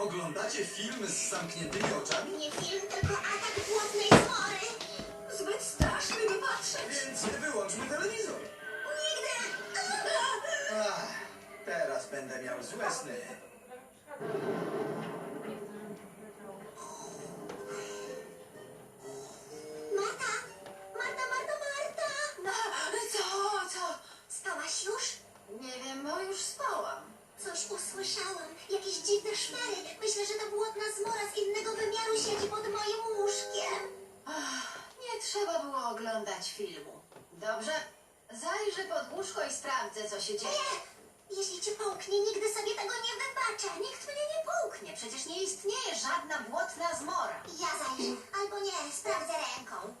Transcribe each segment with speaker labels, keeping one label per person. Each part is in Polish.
Speaker 1: Oglądacie film z zamkniętymi oczami?
Speaker 2: Nie film, tylko atak błotnej zmory.
Speaker 3: Zbyt straszny, by patrzeć.
Speaker 1: Więc nie wyłączmy telewizor.
Speaker 2: Nigdy.
Speaker 1: Ach, teraz będę miał złe sny.
Speaker 2: Marta!
Speaker 3: No, co?
Speaker 2: Spałaś już?
Speaker 3: Nie wiem, bo już spałam.
Speaker 2: Coś usłyszałam. Jakieś dziwne szmery. Myślę, że ta błotna zmora z innego wymiaru siedzi pod moim łóżkiem.
Speaker 3: Nie trzeba było oglądać filmu. Dobrze? Zajrzę pod łóżko i sprawdzę, co się dzieje.
Speaker 2: Nie! Jeśli cię połknie, nigdy sobie tego nie wybaczę.
Speaker 3: Nikt mnie nie połknie. Przecież nie istnieje żadna błotna zmora.
Speaker 2: Ja zajrzę. Albo nie, sprawdzę ręką.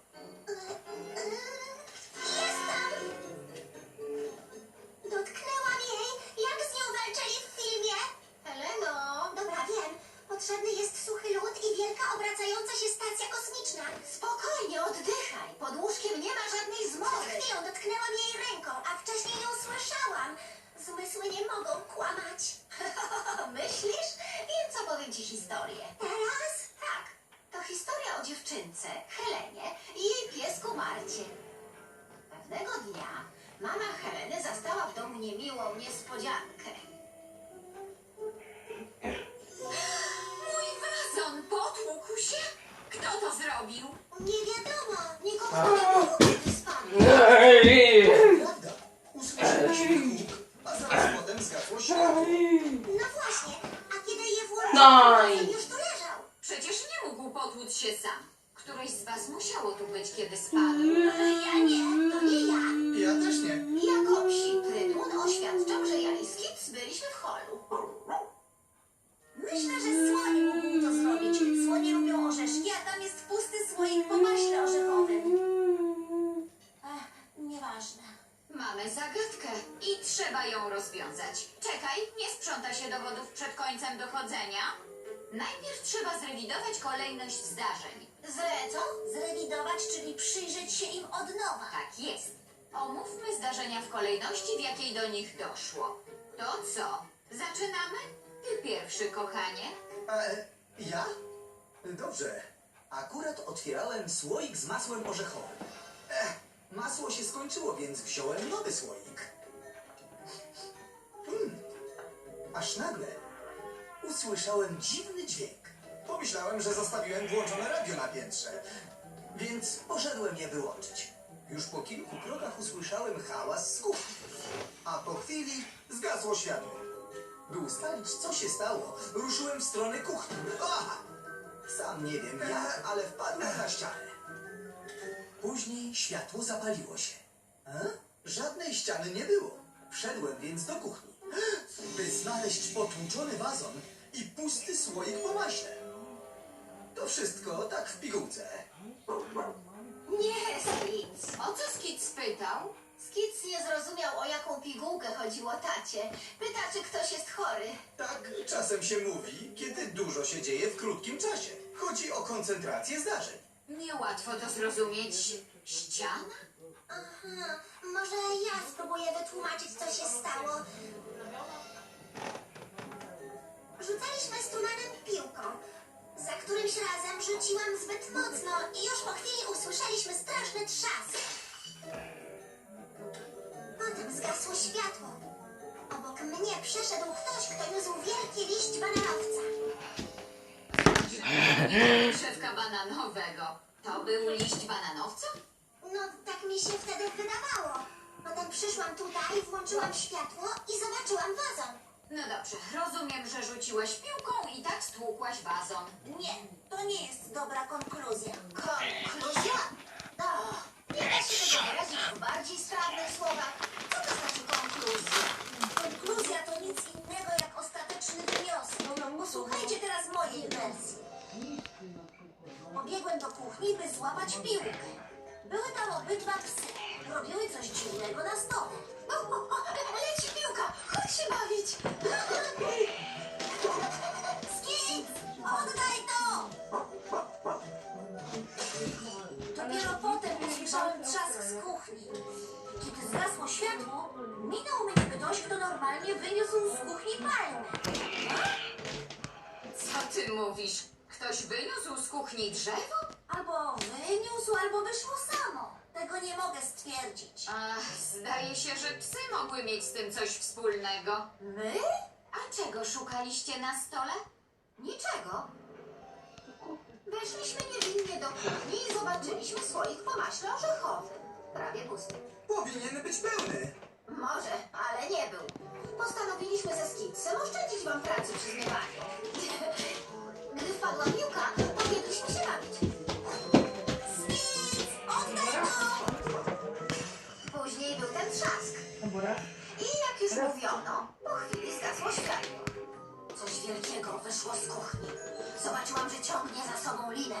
Speaker 2: Jest tam! Dotknęłam jej, jak z nią walczyli w filmie.
Speaker 3: Heleno!
Speaker 2: Dobra, wiem. Potrzebny jest suchy lód i wielka obracająca się stacja kosmiczna.
Speaker 3: Spokojnie, oddychaj. Pod łóżkiem nie ma żadnej
Speaker 2: Przed
Speaker 3: zmory.
Speaker 2: chwilą dotknęłam jej ręką, a wcześniej ją słyszałam. Zmysły nie mogą kłamać.
Speaker 3: Myślisz? Więc opowiem ci historię.
Speaker 2: Teraz?
Speaker 3: Tak, to historia o dziewczynce, Helenie i jej piesku Marcie. Pewnego dnia mama Heleny zastała w domu niemiłą niespodziankę.
Speaker 4: Mój wazon potłukł się? Kto to zrobił?
Speaker 2: Nie wiadomo. Nikogo nie było, kiedy spadł.
Speaker 1: Prawda? Usłyszeliśmy huk, a zaraz potem zgasło światło.
Speaker 2: No właśnie. A kiedy je włączyłam,
Speaker 5: Daj.
Speaker 2: on już tu leżał.
Speaker 4: Przecież nie mógł potłuc się sam. Któreś z was musiało tu być, kiedy spadł.
Speaker 2: Ja nie. To nie ja.
Speaker 1: Ja też nie.
Speaker 3: Jako psi trybun oświadczam, że ja i Skips byliśmy w holu.
Speaker 2: Myślę, że słoń mógł to zrobić. Słonie lubią orzeszki, a tam jest pusty słoik po maśle orzechowym. Nieważne.
Speaker 4: Mamy zagadkę i trzeba ją rozwiązać. Czekaj, nie sprząta się dowodów przed końcem dochodzenia. Najpierw trzeba zrewidować kolejność zdarzeń.
Speaker 2: Co? Zrewidować, czyli przyjrzeć się im od nowa.
Speaker 4: Tak jest. Omówmy zdarzenia w kolejności, w jakiej do nich doszło. To co? Zaczynamy? Ty pierwszy, kochanie.
Speaker 1: Ja? Dobrze. Akurat otwierałem słoik z masłem orzechowym. Masło się skończyło, więc wziąłem nowy słoik. Aż nagle usłyszałem dziwny dźwięk. Pomyślałem, że zostawiłem włączone radio na piętrze, więc poszedłem je wyłączyć. Już po kilku krokach usłyszałem hałas z kuchni, a po chwili zgasło światło. By ustalić, co się stało, ruszyłem w stronę kuchni. Aha! Sam nie wiem jak, ale wpadłem na ścianę. Później światło zapaliło się. Żadnej ściany nie było. Wszedłem więc do kuchni, by znaleźć potłuczony wazon i pusty słoik po maśle. To wszystko tak w pigułce.
Speaker 3: Nie, Skips.
Speaker 4: O co Skit spytał?
Speaker 3: Skips nie zrozumiał, o jaką pigułkę chodziło tacie. Pyta, czy ktoś jest chory.
Speaker 1: Tak czasem się mówi, kiedy dużo się dzieje w krótkim czasie. Chodzi o koncentrację zdarzeń.
Speaker 4: Niełatwo to zrozumieć. Ściana?
Speaker 2: Aha, może ja spróbuję wytłumaczyć, co się stało. Rzucaliśmy z Tumanem piłką. Za którymś razem rzuciłam zbyt mocno i już po chwili usłyszeliśmy straszny trzask. Potem zgasło światło. Obok mnie przeszedł ktoś, kto niósł wielki liść bananowca.
Speaker 4: Drzewka bananowego. To był liść bananowca?
Speaker 2: No, tak mi się wtedy wydawało. Potem przyszłam tutaj, włączyłam światło i zobaczyłam wazon.
Speaker 4: No dobrze, rozumiem, że rzuciłaś piłką i tak stłukłaś wazon.
Speaker 2: Nie, to nie jest dobra konkluzja.
Speaker 3: Konkluzja? Nie da się tego wyrazić w bardziej sprawnych słowach. Co to znaczy konkluzja?
Speaker 2: Konkluzja to nic innego jak ostateczny wniosek. Posłuchajcie teraz mojej wersji. Pobiegłem do kuchni, by złapać piłkę. Były tam obydwa psy. Robiły coś dziwnego na stole.
Speaker 3: Leci piłka! Chodź się bawić!
Speaker 2: Skip! Oddaj to! Dopiero potem usłyszałem trzask z kuchni. Kiedy zgasło światło, minął mnie ktoś, kto normalnie wyniósł z kuchni palmę.
Speaker 4: Co ty mówisz? Ktoś wyniósł z kuchni drzewo?
Speaker 2: Albo wyniósł, albo wyszło samo. Tego nie mogę stwierdzić.
Speaker 4: Ach, zdaje się, że psy mogły mieć z tym coś wspólnego.
Speaker 3: My?
Speaker 4: A czego szukaliście na stole?
Speaker 3: Niczego. Weszliśmy niewinnie do kuchni i zobaczyliśmy słoik po maśle orzechowym. Prawie pusty.
Speaker 1: Powinien być pełny.
Speaker 3: Może, ale nie był. Postanowiliśmy ze Skitsem oszczędzić wam pracy przy zmywaniu. Gdy wpadła piłka, pobiegliśmy się bawić.
Speaker 2: Skic! Oddaj to!
Speaker 3: Później był ten trzask.
Speaker 5: Dobra.
Speaker 3: I jak już mówiono, po chwili zgasło światło. Coś wielkiego wyszło z kuchni. Zobaczyłam, że ciągnie za sobą linę.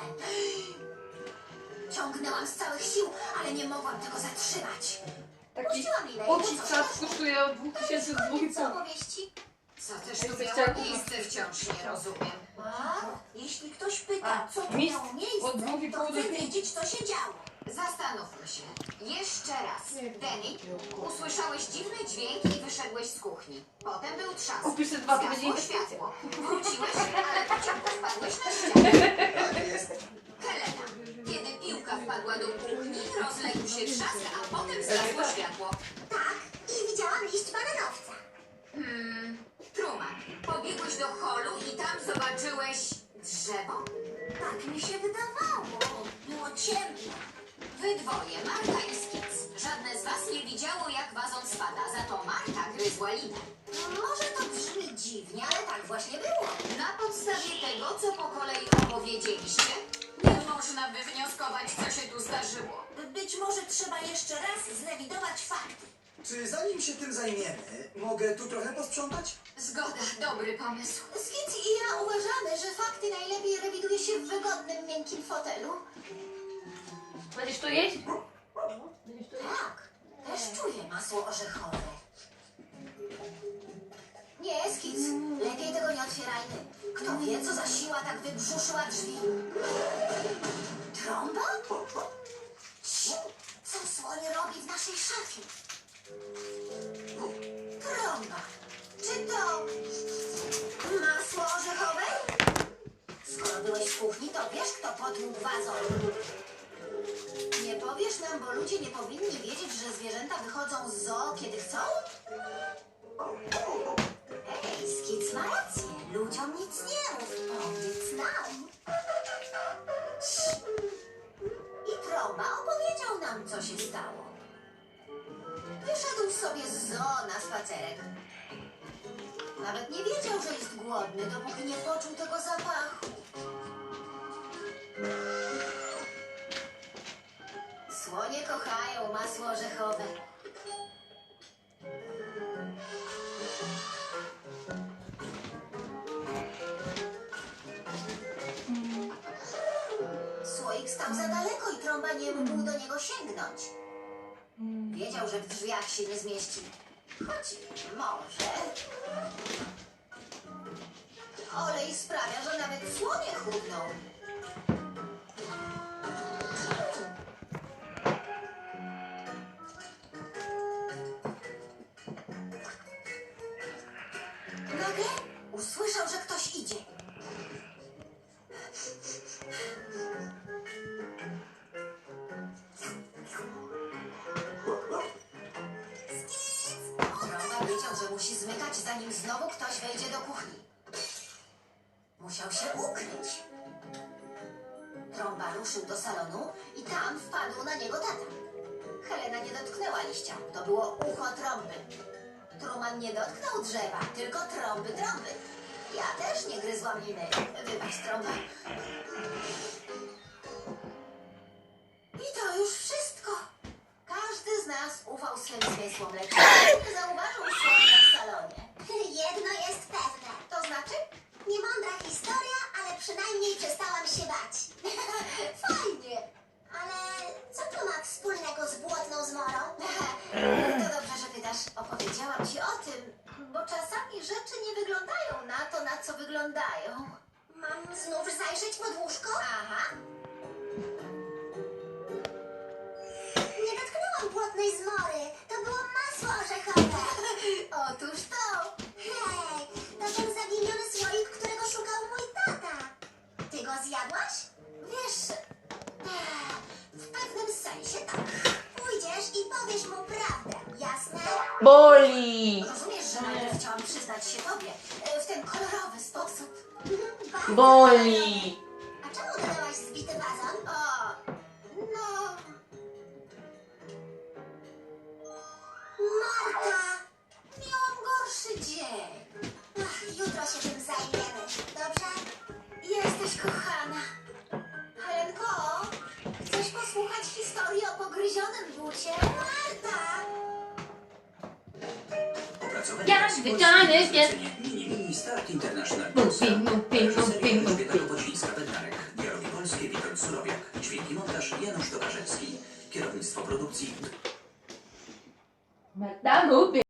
Speaker 3: Ciągnęłam z całych sił, ale nie mogłam tego zatrzymać.
Speaker 5: Taki
Speaker 3: Puściłam linę i
Speaker 5: pocisk
Speaker 3: mu coś
Speaker 5: czas
Speaker 3: weszło.
Speaker 5: kosztuje od 2000 do
Speaker 3: Koniec
Speaker 5: 2,5.
Speaker 3: opowieści.
Speaker 4: Co też tu
Speaker 5: Jesteś
Speaker 4: miało
Speaker 5: ciarką?
Speaker 4: miejsce, wciąż nie rozumiem.
Speaker 2: A? Jeśli ktoś pyta,
Speaker 5: A,
Speaker 2: co tu
Speaker 5: mistrz
Speaker 2: miało miejsce,
Speaker 5: od 2,5
Speaker 2: to
Speaker 5: do
Speaker 2: chcę
Speaker 5: 5.
Speaker 2: wiedzieć, co się działo.
Speaker 4: Zastanówmy się. Jeszcze raz.
Speaker 5: Nie wiem.
Speaker 4: Denny, usłyszałeś dziwny dźwięk i wyszedłś z kuchni. Potem był trzask.
Speaker 5: Kupisz te dwa, to będzie
Speaker 4: Zgasło
Speaker 5: inwestycja.
Speaker 4: światło. Wróciłeś, ale pociągu wpadłeś na ścianę.
Speaker 1: Tak jest.
Speaker 4: Helena, kiedy piłka wpadła do kuchni, rozległ się trzask, a potem zgasło światło.
Speaker 2: Tak, i widziałam liść bananowca.
Speaker 4: Truman, pobiegłeś do holu i tam zobaczyłeś drzewo?
Speaker 2: Tak mi się wydawało. Było ciemno.
Speaker 4: Wy dwoje, Marta i Skic. Żadne z was nie widziało, jak wazon spada, za to Marta gryzła linę.
Speaker 3: Może to brzmi dziwnie, ale tak właśnie było.
Speaker 4: Na podstawie tego, co po kolei opowiedzieliście, nie można wywnioskować, co się tu zdarzyło.
Speaker 2: Być może trzeba jeszcze raz zrewidować fakty.
Speaker 1: Czy zanim się tym zajmiemy, mogę tu trochę posprzątać?
Speaker 4: Zgoda, dobry pomysł.
Speaker 3: Skic i ja uważamy, że fakty najlepiej rewiduje się w wygodnym, miękkim fotelu.
Speaker 5: Będziesz to jeść? Będziesz to jeść?
Speaker 3: Tak, też czuję masło orzechowe. Nie, Skic, lepiej tego nie otwierajmy. Kto wie, co za siła tak wybrzuszyła drzwi. Trąba?
Speaker 2: Cii, co słoń robi w naszej szafie?
Speaker 3: Trąba. Czy to masło orzechowe? Skoro byłeś w kuchni, to wiesz, kto potłukł wazon. Nie powiesz nam, bo ludzie nie powinni wiedzieć, że zwierzęta wychodzą z zoo, kiedy chcą? Hej, Skic ma rację. Ludziom nic nie mów. Powiedz nam. Cii. I Trąba opowiedział nam, co się stało. Wyszedł sobie z zoo na spacerek. Nawet nie wiedział, że jest głodny, dopóki nie poczuł tego zapachu. Słonie kochają masło orzechowe. Słoik stał za daleko i Trąba nie mógł do niego sięgnąć. Wiedział, że w drzwiach się nie zmieści. Choć może. Olej sprawia, że nawet słonie chudną. Nagle usłyszał, że ktoś idzie. Trąba wiedział, że musi zmykać, zanim znowu ktoś wejdzie do kuchni. Musiał się ukryć. Trąba ruszył do salonu i tam wpadł na niego tata. Helena nie dotknęła liścia. To było ucho trąby. Truman nie dotknął drzewa, tylko trąby. Ja też nie gryzłam liny. Wybacz, Trąba. I to już wszystko. Każdy z nas ufał swym zmysłom, lecz nie zauważył słonia w salonie.
Speaker 2: Jedno jest pewne.
Speaker 3: To znaczy?
Speaker 2: Niemądra historia, ale przynajmniej przestałam się bać.
Speaker 3: Fajnie.
Speaker 2: Ale co to ma wspólnego z błotną zmorą?
Speaker 3: To dobrze, że pytasz. Opowiedziałam ci o tym, bo czasami rzeczy nie wyglądają na to, na co wyglądają.
Speaker 2: Mam znów zajrzeć pod łóżko?
Speaker 3: Aha.
Speaker 2: Nie dotknęłam błotnej zmory. To było masło orzechowe.
Speaker 3: Otóż to.
Speaker 2: Hej, to ten zaginiony słoik, którego szukał mój tata.
Speaker 5: Boli.
Speaker 3: Rozumiesz, że najpierw chciałam przyznać się tobie w ten kolorowy sposób.
Speaker 2: Bardzo
Speaker 5: Boli.
Speaker 2: A czemu dodałaś zbity wazon?
Speaker 3: O, no,
Speaker 2: Marta!
Speaker 3: miałam gorszy dzień.
Speaker 2: Ach, jutro się tym zajmiemy, dobrze?
Speaker 3: Jesteś kochana. Helenko, chcesz posłuchać historii o pogryzionym bucie?
Speaker 2: Marta!
Speaker 1: Opracowanie
Speaker 5: Jak
Speaker 1: polskie
Speaker 5: wyczany
Speaker 1: zlecenie Mini Start International
Speaker 5: Mupi,
Speaker 1: Polska.
Speaker 5: mupi,
Speaker 1: Reżyseria
Speaker 5: mupi,
Speaker 1: Elżbieta
Speaker 5: mupi.
Speaker 1: Kopocińska-Bednarek. Dialogi polskie Witold Surowiak. Dźwięki montaż Janusz Tokarzewski. Kierownictwo produkcji
Speaker 5: Mata, mupi.